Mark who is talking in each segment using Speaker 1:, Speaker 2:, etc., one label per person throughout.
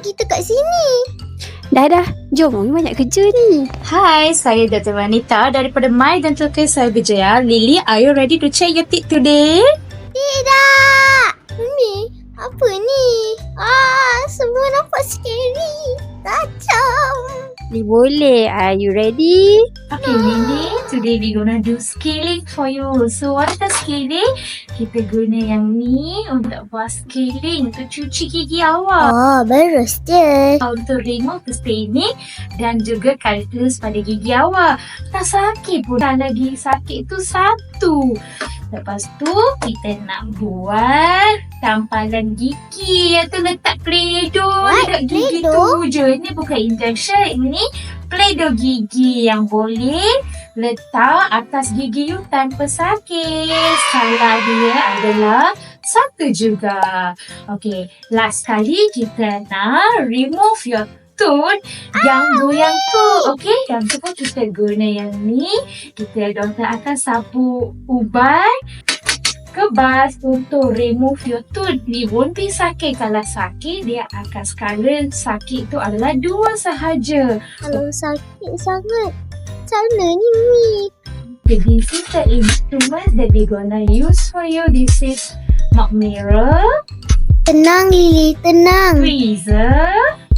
Speaker 1: kita kat sini?
Speaker 2: Dah. Jom, Umi banyak kerja ni.
Speaker 3: Hai, saya Dr. Vanita daripada My Dental Care Cyberjaya. Lily, are you ready to check your teeth today?
Speaker 1: Tidak. Umi, apa ni? Semua nampak scary. Kacau.
Speaker 2: Boleh. Are you ready?
Speaker 3: Okay, Lily, today we gonna do scaling for you. So, what is the scaling? Kita guna yang ni untuk buat scaling untuk cuci gigi awak.
Speaker 1: Bagus je.
Speaker 3: Untuk remove the staining dan juga kalkulus pada gigi awak. Tak sakit pun. Tak lagi sakit tu satu. Lepas tu, kita nak buat tampalan gigi yang tu letak Play-Doh dekat gigi
Speaker 1: Play-Doh?
Speaker 3: tu je. Ini bukan injection. Ini Play-Doh gigi yang boleh letak atas gigi you tanpa sakit. Salah dia adalah satu juga. Okay, last kali kita nak remove your tooth yang goyang tu. Okay, yang tu pun kita guna yang ni. Doktor akan sapu ubat kebas untuk remove your tooth. Ni won't be sakit. Kalau sakit, dia akan skala sakit tu adalah 2 sahaja.
Speaker 1: Kalau sakit sangat, macam mana ni, Umi?
Speaker 3: Okay, this is the instrument that we gonna use for you. This is mug mirror,
Speaker 1: Tenang, Lily, tenang.
Speaker 3: tweezer,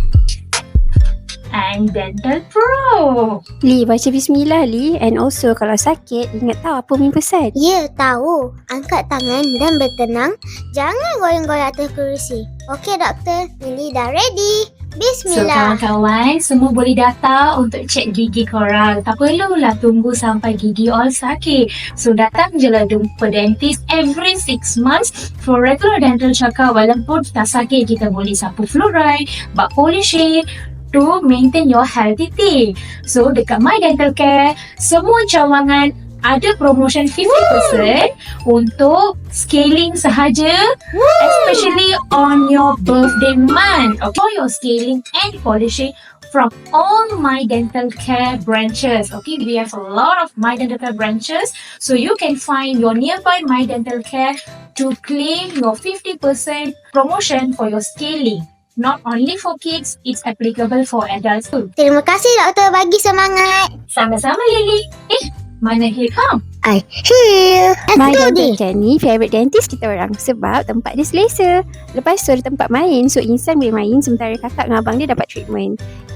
Speaker 3: and dental pro.
Speaker 2: Li, baca bismillah Li. And also kalau sakit, ingat tahu apa Umi pesan.
Speaker 1: Ya, tahu. Angkat tangan dan bertenang. Jangan goyang-goyang atas kerusi. Okey, doktor. Lily dah ready.
Speaker 3: So,
Speaker 1: Bismillah.
Speaker 3: kawan-kawan, semua boleh datang untuk cek gigi korang. Tak perlulah tunggu sampai gigi all sakit. So, datang je lah jumpa dentist every 6 months for regular dental check-up. Walaupun tak sakit, kita boleh sapu fluoride, buat polishing, to maintain your healthy teeth. So, dekat My Dental Care, semua cawangan ada promotion 50% untuk scaling sahaja, especially on your birthday month. For your scaling and polishing from all My Dental Care branches. Okay, we have a lot of My Dental Care branches, so you can find your nearby My Dental Care to claim your 50% promotion for your scaling. Not only for kids, it's applicable for adults too.
Speaker 1: Terima kasih, doktor. Bagi semangat.
Speaker 3: Sama-sama, Lily. Mana Hilham?
Speaker 1: I hear.
Speaker 2: My
Speaker 1: Let's do
Speaker 2: Dental
Speaker 1: this.
Speaker 2: Care ni favourite dentist kita orang sebab tempat dia selesa. Lepas tu ada tempat main, so insan boleh main sementara kakak dengan abang dia dapat treatment.